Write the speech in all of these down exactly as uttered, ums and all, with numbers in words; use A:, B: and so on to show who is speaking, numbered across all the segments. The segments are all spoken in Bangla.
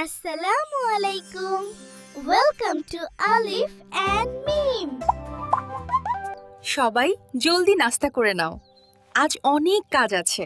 A: আসসালামু আলাইকুম। Welcome to Alif and Mim.
B: সবাই জলদি নাস্তা করে নাও, আজ অনেক কাজ আছে।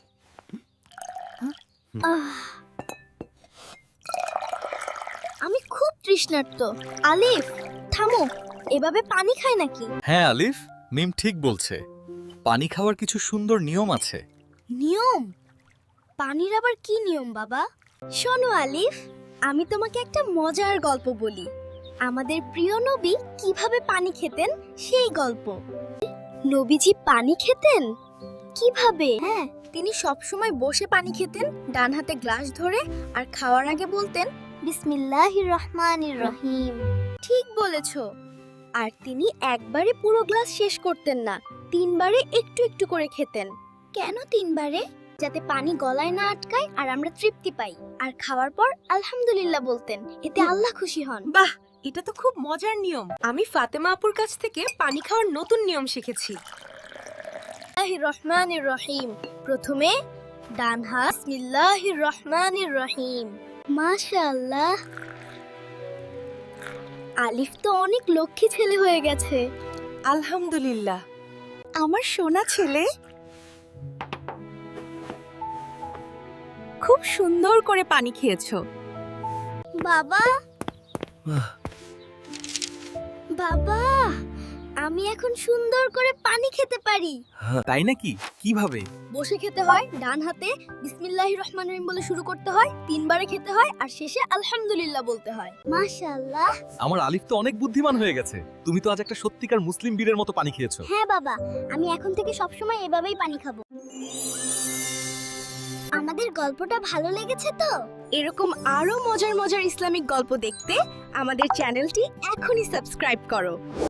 A: আমি খুব তৃষ্ণার্ত। আলিফ, থামো, এভাবে পানি খায় নাকি?
C: হ্যাঁ আলিফ, মিম ঠিক বলছে। পানি খাওয়ার কিছু সুন্দর নিয়ম আছে।
A: নিয়ম? পানির আবার কি নিয়ম বাবা? শোনো আলিফ, আমি তোমাকে একটা মজার গল্প বলি। আমাদের প্রিয় নবী কিভাবে পানি খেতেন সেই গল্প। নবীজি পানি খেতেন কিভাবে? হ্যাঁ, তিনি সবসময় বসে পানি খেতেন, ডান হাতে গ্লাস ধরে, আর খাওয়ার আগে বলতেন বিসমিল্লাহির রহমানির রহিম। ঠিক বলেছো। আর তিনি একবারে পুরো গ্লাস শেষ করতেন না, তিনবারে একটু একটু করে খেতেন। কেন তিনবারে? যাতে পানি গলায় না আটকায় আর আমরা তৃপ্তি পাই। আর খাওয়ার পর আলহামদুলিল্লাহ বলতেন, এতে আল্লাহ খুশি হন।
B: বাহ, এটা তো খুব মজার নিয়ম। আমি ফাতেমা আপুর কাছ থেকে পানি খাওয়ার নতুন নিয়ম শিখেছি।
A: বিসমিল্লাহির রহমানির রহিম। প্রথমে ডান হাত, বিসমিল্লাহির রহমানির রহিম। মাশাআল্লাহ, আলিফ তো অনেক লক্ষ্মী ছেলে হয়ে গেছে।
B: আলহামদুলিল্লাহ, আমার সোনা ছেলে। খুব সুন্দর করে পানি খেয়েছো।
A: বাবা, বাবা, আমি এখন সুন্দর করে পানি খেতে পারি।
C: তাই নাকি? কিভাবে?
A: বসে খেতে হয়, ডান হাতে বিসমিল্লাহির রহমানির রহিম বলে শুরু করতে হয়, তিনবারে খেতে হয়, আর শেষে আলহামদুলিল্লাহ বলতে হয়। মাশাআল্লাহ।
C: আমার আলিফ তো অনেক বুদ্ধিমান হয়ে গেছে। তুমি তো আজ একটা সত্যিকার মুসলিম বীরের মতো পানি খেয়েছো।
A: হ্যাঁ বাবা, আমি এখন থেকে সবসময় এভাবেই পানি খাবো। আমাদের গল্পটা ভালো লেগেছে তো?
B: এরকম আরো মজার মজার ইসলামিক গল্প দেখতে আমাদের চ্যানেলটি এখনই সাবস্ক্রাইব করো।